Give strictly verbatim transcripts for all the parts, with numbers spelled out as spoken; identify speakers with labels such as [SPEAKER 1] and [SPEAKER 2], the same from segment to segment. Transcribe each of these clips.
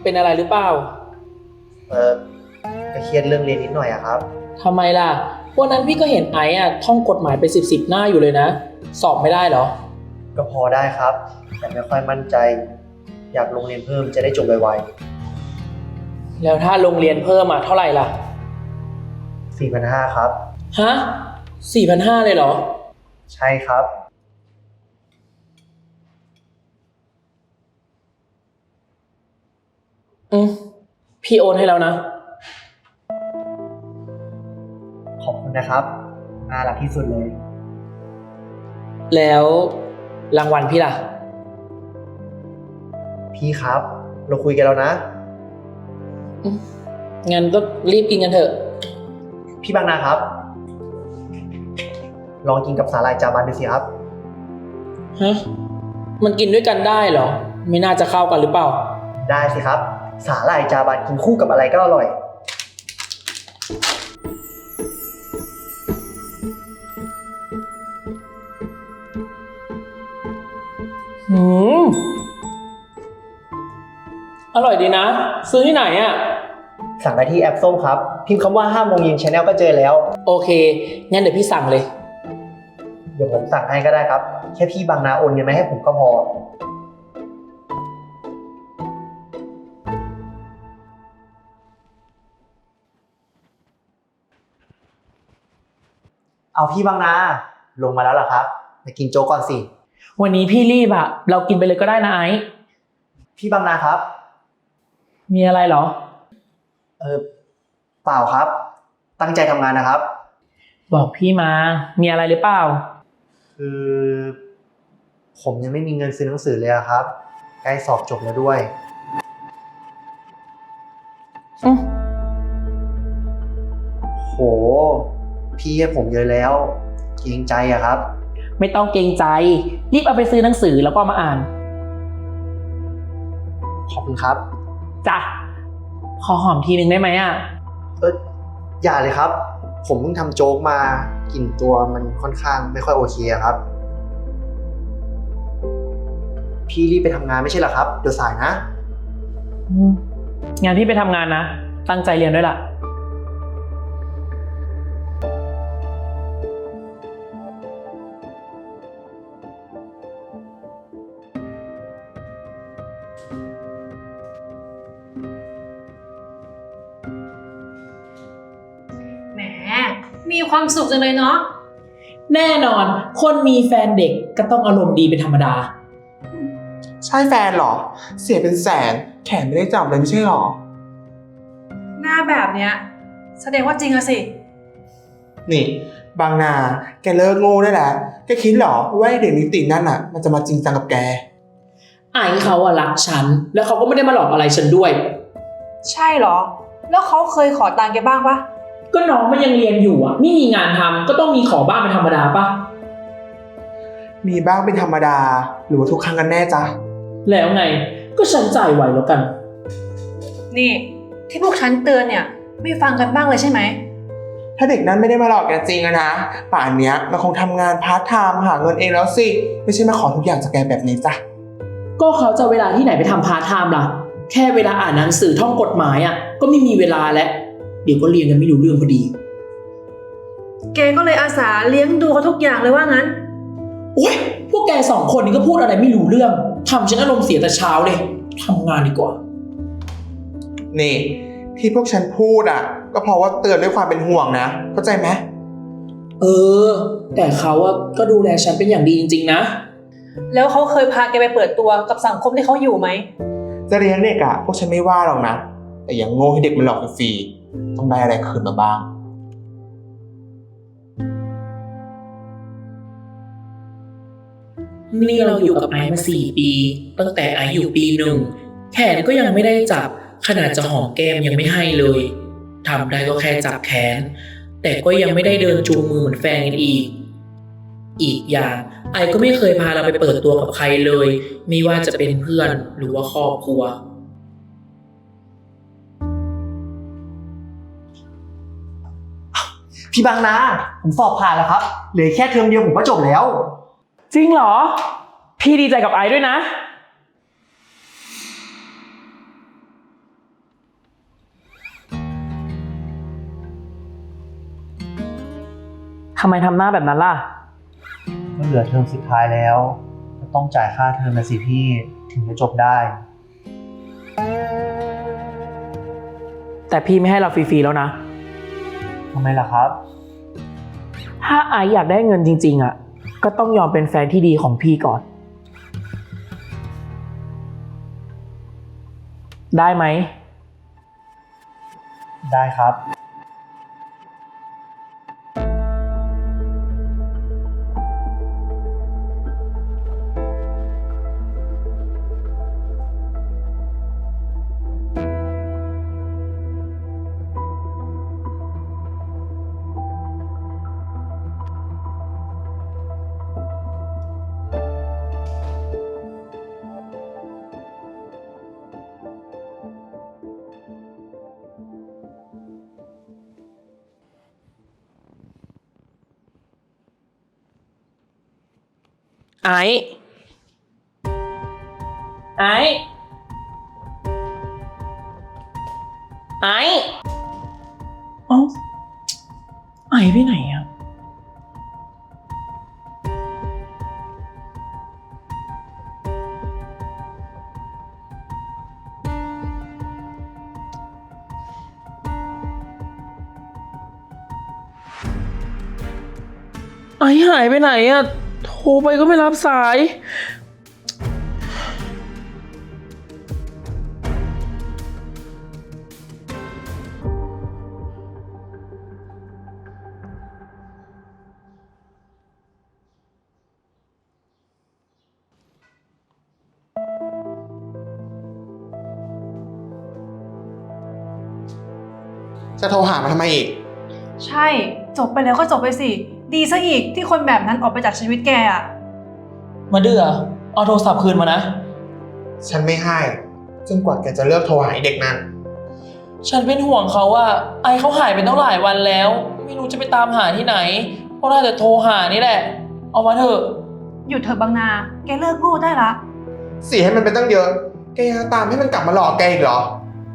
[SPEAKER 1] เป็นอะไรหรือเปล่า
[SPEAKER 2] เออก็เครียดเรื่องเรียนนิดหน่อยอะครับ
[SPEAKER 1] ทำไมล่ะวันนั้นพี่ก็เห็นไอ้อะท่องกฎหมายไปสิบสิบหน้าอยู่เลยนะสอบไม่ได้เหรอ
[SPEAKER 2] ก็พอได้ครับแต่ไม่ค่อยมั่นใจอยากลงเรียนเพิ่มจะได้จบไว
[SPEAKER 1] แล้วถ้าโรงเรียนเพิ่มอะเท่าไหร่ล่ะ
[SPEAKER 2] ๆ สี่พันห้าร้อย ครับ
[SPEAKER 1] ฮะ สี่พันห้าร้อย เลยเหรอ
[SPEAKER 2] ใช่ครับ
[SPEAKER 1] อืมพี่โอนให้แล้วนะ
[SPEAKER 2] ขอบคุณนะครับน่ารักที่สุดเลย
[SPEAKER 1] แล้วรางวัลพี่ล่ะ
[SPEAKER 2] พี่ครับเราคุยกันแล้วนะ
[SPEAKER 1] งั้นก็รีบกินกันเถอะ
[SPEAKER 2] พี่บางนาครับลองกินกับสาหร่ายจาบันดูสิครับ
[SPEAKER 1] ฮะมันกินด้วยกันได้เหรอไม่น่าจะเข้ากันหรือเปล่า
[SPEAKER 2] ได้สิครับสาหร่ายจาบันกินคู่กับอะไรก็อร่อย
[SPEAKER 1] หืมอร่อยดีนะซื้อที่ไหนอ่ะ
[SPEAKER 2] สั่งได้ที่แอปส้มครับพิมพ์คำว่าห้าโมงเย็น Channel ก็เจอแล้ว
[SPEAKER 1] โอเคงั้นเดี๋ยวพี่สั่งเลย
[SPEAKER 2] เดี๋ยวผมสั่งให้ก็ได้ครับแค่พี่บางนาโอนเงินมาให้ผมก็พอเอาพี่บางนาลงมาแล้วเหรอครับไปกินโจ๊กก่อนสิ
[SPEAKER 1] วันนี้พี่รีบอะเรากินไปเลยก็ได้นะไอ้
[SPEAKER 2] พี่บางนาครับ
[SPEAKER 1] มีอะไรเหรอ
[SPEAKER 2] เออเปล่าครับตั้งใจทำงานนะครับ
[SPEAKER 1] บอกพี่มามีอะไรหรือเปล่า
[SPEAKER 2] คือผมยังไม่มีเงินซื้อหนังสือเลยครับใกล้สอบจบแล้วด้วย
[SPEAKER 1] อืม
[SPEAKER 2] โหพี่ให้ผมเยอะแล้วเกรงใจอะครับ
[SPEAKER 1] ไม่ต้องเกรงใจรีบเอาไปซื้อหนังสือแล้วก็มาอ่าน
[SPEAKER 2] ขอบคุณครับ
[SPEAKER 1] จ้ะขอหอมทีนึงได้ไหมอ่ะ
[SPEAKER 2] เอออย่าเลยครับผมเพิ่งทำโจ๊กมากลิ่นตัวมันค่อนข้างไม่ค่อยโอเคครับพี่รีบไปทำงานไม่ใช่เหรอครับเดี๋ยวสายนะ
[SPEAKER 1] งานพี่ไปทำงานนะตั้งใจเรียนด้วยล่ะ
[SPEAKER 3] แหมมีความสุขจังเลยเนาะ
[SPEAKER 1] แน่นอนคนมีแฟนเด็กก็ต้องอารมณ์ดีเป็นธรรมดา
[SPEAKER 4] ใช่แฟนเหรอเสียเป็นแสนแขนไม่ได้จับเลยไม่ใช่หรอ
[SPEAKER 3] หน้าแบบเนี้ยแสดงว่าจริงอะสิ
[SPEAKER 4] นี่บางนาแกเลิกโง่ได้แล้วแกคิดเหรอว่าเด็กนิตินั่นอ่ะมันจะมาจริงจังกับแก
[SPEAKER 1] ไอ้เขาอะรักฉันแล้วเขาก็ไม่ได้มาหลอกอะไรฉันด้วย
[SPEAKER 3] ใช่เหรอแล้วเขาเคยขอตังค์แกบ้างปะ
[SPEAKER 1] ก็น้องมันยังเรียนอยู่อ่ะไม่มีงานทำก็ต้องมีขอบ้างเป็นธรรมดาปะ
[SPEAKER 4] มีบ้างเป็นธรรมดาหรือว่าทุกครั้งกันแน่จ๊ะ
[SPEAKER 1] แล้วไงก็ฉันจ่ายไหวแล้วกัน
[SPEAKER 3] นี่ที่พวกฉันเตือนเนี่ยไม่ฟังกันบ้างเลยใช่ไหม
[SPEAKER 4] ถ้าเด็กนั้นไม่ได้มาหลอกแกจริงอะนะป่านเนี้ยมันคงทำงานพาร์ทไทม์หาเงินเองแล้วสิไม่ใช่มาขอทุกอย่างจากแกแบบนี้จ้ะ
[SPEAKER 1] ก็เขาจะเวลาที่ไหนไปทำพาร์ทไทม์ล่ะแค่เวลาอ่านหนังสือท่องกฎหมายอ่ะก็ไม่มีเวลาแล้วเดี๋ยวก็เรียนกันไม่รู้เรื่องพอดี
[SPEAKER 3] แกก็เลยอาสาเลี้ยงดูเขาทุกอย่างเลยว่างั้น
[SPEAKER 1] โอ๊ยพวกแกสองคนนี้ก็พูดอะไรไม่รู้เรื่องทำฉันอารมณ์เสียแต่เช้าเลยทำงานดีกว่า
[SPEAKER 4] นี่ที่พวกฉันพูดอ่ะก็เพราะว่าเตือนด้วยความเป็นห่วงนะเข้าใจไหม
[SPEAKER 1] เออแต่เขาอะก็ดูแลฉันเป็นอย่างดีจริงๆนะ
[SPEAKER 3] แล้วเขาเคยพาแกไปเปิดตัวกับสังคมที่เขาอยู่ไหม
[SPEAKER 4] จะเลี้ยงเด็กอ่ะพวกฉันไม่ว่าหรอกนะแต่อย่างโง่ให้เด็กมันหลอกฟรีต้องได้อะไรคืนมาบ้าง
[SPEAKER 1] นี่เราอยู่กับไอซ์มาสี่ปีตั้งแต่ไอซ์อยู่ปีหนึ่งแขนก็ยังไม่ได้จับขนาดจะหอมแก้มยังไม่ให้เลยทำได้ก็แค่จับแขนแต่ก็ยังไม่ได้เดินจูงมือเหมือนแฟนกันอีกอีกอย่างไอซ์ก็ไม่เคยพาเราไปเปิดตัวกับใครเลยไม่ว่าจะเป็นเพื่อนหรือว่าครอบครัว
[SPEAKER 2] พี่บางนาผมสอบผ่านแล้วครับเหลือแค่เทอมเดียวผมก็จบแล้ว
[SPEAKER 1] จริงเหรอพี่ดีใจกับไอซ์ด้วยนะทำไมทำหน้าแบบนั้นล่ะ
[SPEAKER 2] ก็เหลือเทอมสุดท้ายแล้วก็ต้องจ่ายค่าเทอมนะสิพี่ถึงจะจบได้
[SPEAKER 1] แต่พี่ไม่ให้เราฟรีๆแล้วนะ
[SPEAKER 2] ทำไมล่ะครับ
[SPEAKER 1] ถ้าไอซ์อยากได้เงินจริงๆอ่ะ ก็ต้องยอมเป็นแฟนที่ดีของพี่ก่อน ได้ไหม
[SPEAKER 2] ได้ครับ
[SPEAKER 1] ไอซ์ไอซ์ไอซ์เอ้าไอซ์ไปไหนอ่ะ ไอซ์หายไปไหนอ่ะ โทรไปก็ไม่รับสาย
[SPEAKER 4] จะโทรหามาทำไมอีก
[SPEAKER 3] ใช่ จบไปแล้วก็จบไปสิ ดีซะอีกที่คนแบบนั้นออกไปจากชีวิตแกอะ
[SPEAKER 1] มาเดือเอาโทรศัพท์คืนมานะ
[SPEAKER 4] ฉันไม่ให้จนกว่าแกจะเลิกโทรหาไอ้เด็กนั้น
[SPEAKER 1] ฉันเป็นห่วงเขาว่าไอเขาหายไปตั้งหลายวันแล้ว ไม่รู้จะไปตามหาที่ไหนก็ได้แต่โทรหานี่แหละ เอามาเถอะ
[SPEAKER 3] หยุดเถอะบางนา แกเลิกโง่ได้ละ
[SPEAKER 4] เสียให้มันเป็นตั้งเยอะ แกยังตามให้มันกลับมาหลอกแกอีกเหรอ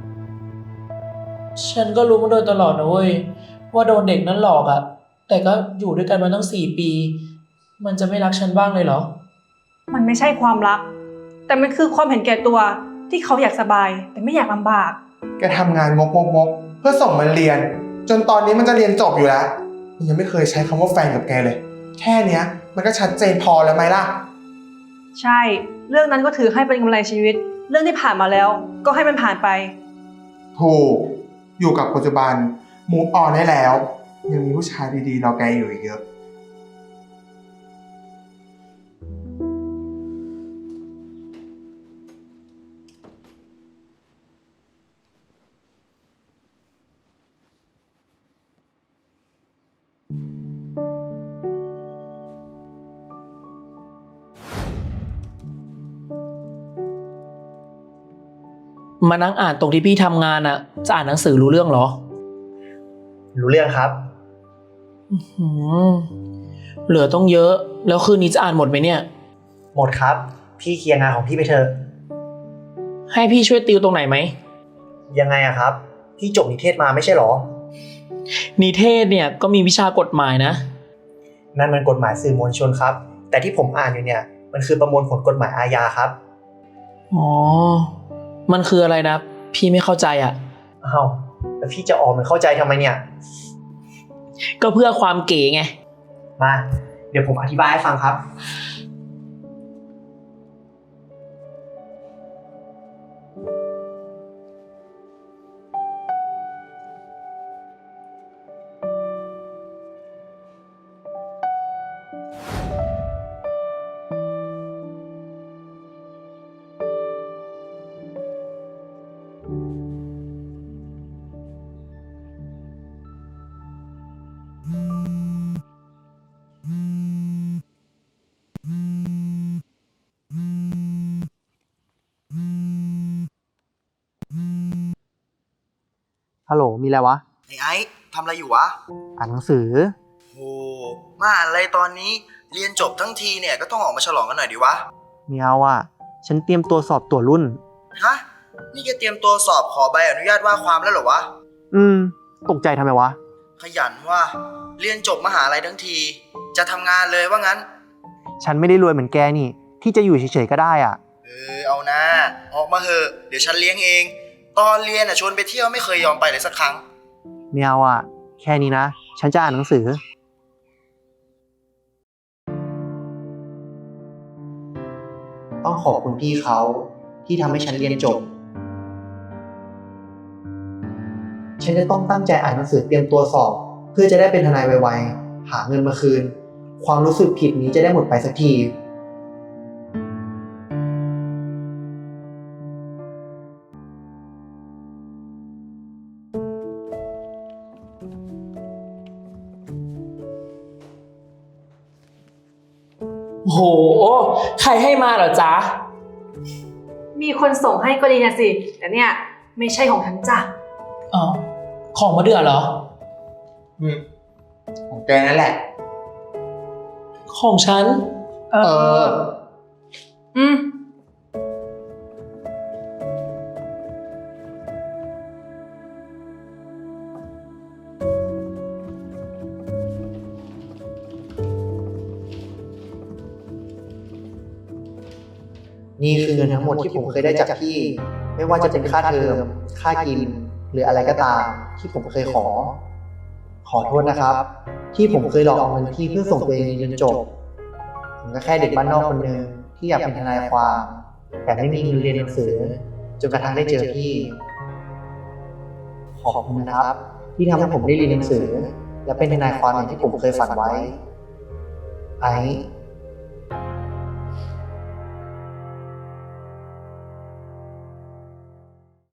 [SPEAKER 1] ฉันก็รู้มาโดยตลอดนะเว้ยว่าโดนเด็กนั้นหลอกอะแต่ก็อยู่ด้วยกันมาตั้งสี่ปี มันจะไม่รักฉันบ้างเลยเหรอ
[SPEAKER 3] มันไม่ใช่ความรัก แต่มันคือความเห็นแก่ตัวที่เขาอยากสบาย แต่ไม่อยากลำบาก
[SPEAKER 4] แกทำงานงกงกงกเพื่อส่งมันเรียน จนตอนนี้มันจะเรียนจบอยู่แล้วมันยังไม่เคยใช้คำว่าแฟนกับแกเลย แค่เนี้ยมันก็ชัดเจนพอแล้วไหมล่ะ
[SPEAKER 3] ใช่ เรื่องนั้นก็ถือให้เป็นกำไรชีวิต เรื่องที่ผ่านมาแล้ว ก็ให้มันผ่านไป
[SPEAKER 4] ถูก อยู่กับปัจจุบันมูฟออนได้แล้ว ยังมีผู้ชายดีๆรอแกอยู่อีกเยอะ
[SPEAKER 1] มานั่งอ่านตรงที่พี่ทำงานอะจะอ่านหนังสือรู้เรื่องเหรอ
[SPEAKER 2] รู้เรื่องครับ
[SPEAKER 1] อื้อหือเหลือต้องเยอะ แล้วคืนนี้จะอ่านหมดไหมเนี่ย
[SPEAKER 2] หมดครับ พี่เคลียร์งานของพี่ไปเถอะ
[SPEAKER 1] ให้พี่ช่วยติวตรงไหนไหม
[SPEAKER 2] ยังไงอะครับ พี่จบนิเทศมาไม่ใช่หรอ
[SPEAKER 1] นิเทศเนี่ยก็มีวิชากฎหมายนะ
[SPEAKER 2] นั่นมันกฎหมายสื่อมวลชนครับ แต่ที่ผมอ่านอยู่เนี่ย มันคือประมวลผลกฎหมายอาญาครับ
[SPEAKER 1] อ๋อ มันคืออะไรนะ พี่ไม่เข้าใจอ่ะ
[SPEAKER 2] อ้าวแล้วพี่จะออกมันเข้าใจทำไมเนี่ย
[SPEAKER 1] ก็เพื่อความเก๋ไง
[SPEAKER 2] มา เดี๋ยวผมอธิบายให้ฟังครับ ฮัลโหล มีอะไรวะ
[SPEAKER 5] ไอ้ไอ้ทำอะไรอยู่วะ
[SPEAKER 2] อ่านหนังสือ
[SPEAKER 5] โหมาอ่านอะไรตอนนี้เรียนจบทั้งทีเนี่ยก็ต้องออกมาฉลองกันหน่อยดิวะ
[SPEAKER 2] เมียวอ่ะ ฉันเตรียมตัวสอบตัวรุ่น
[SPEAKER 5] ฮะ นี่แกเตรียมตัวสอบขอใบอนุญาตว่าความแล้วเหรอวะ
[SPEAKER 2] อืม ตกใจทำไมวะ
[SPEAKER 5] ขยันว่าเรียนจบมหาลัยทั้งที จะทำงานเลยว่างั้น
[SPEAKER 2] ฉันไม่ได้รวยเหมือนแกนี่ ที่จะอยู่เฉยๆก็ได้อ่ะ
[SPEAKER 5] เออเอานะออกมาเหอะเดี๋ยวฉันเลี้ยงเอง ตอนเรียนอ่ะชวนไปเที่ยวไม่เคยยอมไปเลยสักครั้ง
[SPEAKER 2] ไม่เอาอ่ะ แค่นี้นะ ฉันจะอ่านหนังสือ ต้องขอบคุณพี่เขาที่ทำให้ฉันเรียนจบ ฉันจะต้องตั้งใจอ่านหนังสือเตรียมตัวสอบ เพื่อจะได้เป็นทนายไวๆ หาเงินมาคืน ความรู้สึกผิดนี้จะได้หมดไปสักที
[SPEAKER 1] โห ใครให้มาเหรอจ๊ะ
[SPEAKER 3] มีคนส่งให้ก็ดีนะสิ แต่เนี่ยไม่ใช่ของฉันจ้ะ
[SPEAKER 1] อ๋อ ของมาเดือเหรอ
[SPEAKER 4] อืม ของแกนั่นแหละ
[SPEAKER 1] ของฉัน
[SPEAKER 3] เอ
[SPEAKER 4] เออ
[SPEAKER 3] อืม
[SPEAKER 2] นี่คือเงินทั้งหมดที่ผมเคยได้จากพี่ ไม่ว่าจะเป็นค่าเทอม ค่ากิน หรืออะไรก็ตามที่ผมเคยขอ ขอโทษนะครับ ที่ผมเคยหลอกเอาเงินพี่เพื่อส่งตัวเองเรียนจบ ผมก็แค่เด็กบ้านนอกคนหนึ่งที่อยากเป็นทนายความ แต่ไม่มีเงินเรียนหนังสือจนกระทั่งได้เจอพี่ ขอบคุณนะครับ ที่ทำให้ผมได้เรียนหนังสือ และเป็นทนายความอย่างที่ผมเคยฝันไว้ ไอ้